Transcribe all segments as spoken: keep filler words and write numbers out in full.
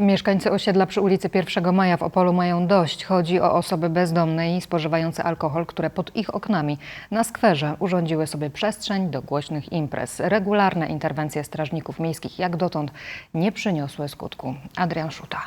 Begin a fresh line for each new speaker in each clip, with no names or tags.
Mieszkańcy osiedla przy ulicy pierwszego Maja w Opolu mają dość. Chodzi o osoby bezdomne i spożywające alkohol, które pod ich oknami na skwerze urządziły sobie przestrzeń do głośnych imprez. Regularne interwencje strażników miejskich jak dotąd nie przyniosły skutku. Adrian Szuta.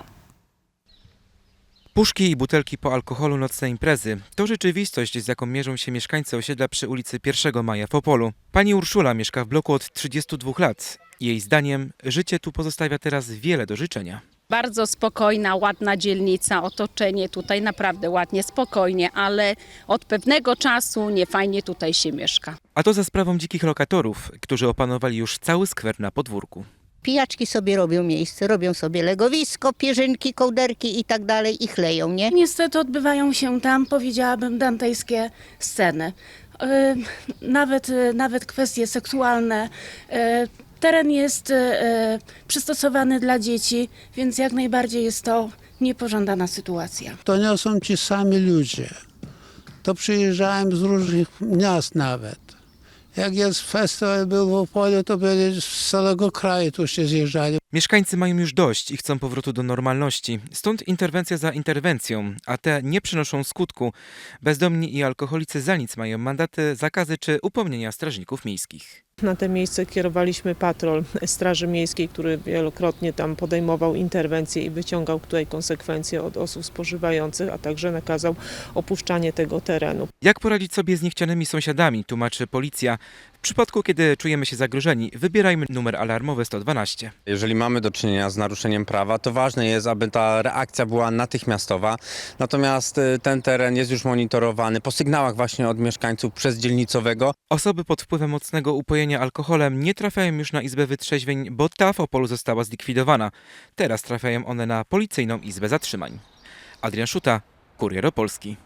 Puszki i butelki po alkoholu, nocne imprezy to rzeczywistość, z jaką mierzą się mieszkańcy osiedla przy ulicy pierwszego Maja w Opolu. Pani Urszula mieszka w bloku od trzydziestu dwóch lat. Jej zdaniem życie tu pozostawia teraz wiele do życzenia.
Bardzo spokojna, ładna dzielnica, otoczenie tutaj naprawdę ładnie, spokojnie, ale od pewnego czasu niefajnie tutaj się mieszka.
A to za sprawą dzikich lokatorów, którzy opanowali już cały skwer na podwórku.
Pijaczki sobie robią miejsce, robią sobie legowisko, pierzynki, kołderki i tak dalej i chleją, nie?
Niestety odbywają się tam, powiedziałabym, dantejskie sceny. Yy, nawet, yy, nawet kwestie seksualne. Yy, teren jest yy, przystosowany dla dzieci, więc jak najbardziej jest to niepożądana sytuacja.
To nie są ci sami ludzie. To przyjeżdżają z różnych miast nawet. Jak jest festiwal był w Opolu, to byli z całego kraju tu się zjeżdżali.
Mieszkańcy mają już dość i chcą powrotu do normalności. Stąd interwencja za interwencją, a te nie przynoszą skutku. Bezdomni i alkoholicy za nic mają mandaty, zakazy czy upomnienia strażników miejskich.
Na to miejsce kierowaliśmy patrol Straży Miejskiej, który wielokrotnie tam podejmował interwencje i wyciągał tutaj konsekwencje od osób spożywających, a także nakazał opuszczanie tego terenu.
Jak poradzić sobie z niechcianymi sąsiadami, tłumaczy policja. W przypadku, kiedy czujemy się zagrożeni, wybierajmy numer alarmowy sto dwanaście.
Jeżeli mamy do czynienia z naruszeniem prawa, to ważne jest, aby ta reakcja była natychmiastowa. Natomiast ten teren jest już monitorowany po sygnałach właśnie od mieszkańców przez dzielnicowego.
Osoby pod wpływem mocnego upojenia alkoholem nie trafiają już na Izbę Wytrzeźwień, bo ta w Opolu została zlikwidowana. Teraz trafiają one na Policyjną Izbę Zatrzymań. Adrian Szuta, Kurier Opolski.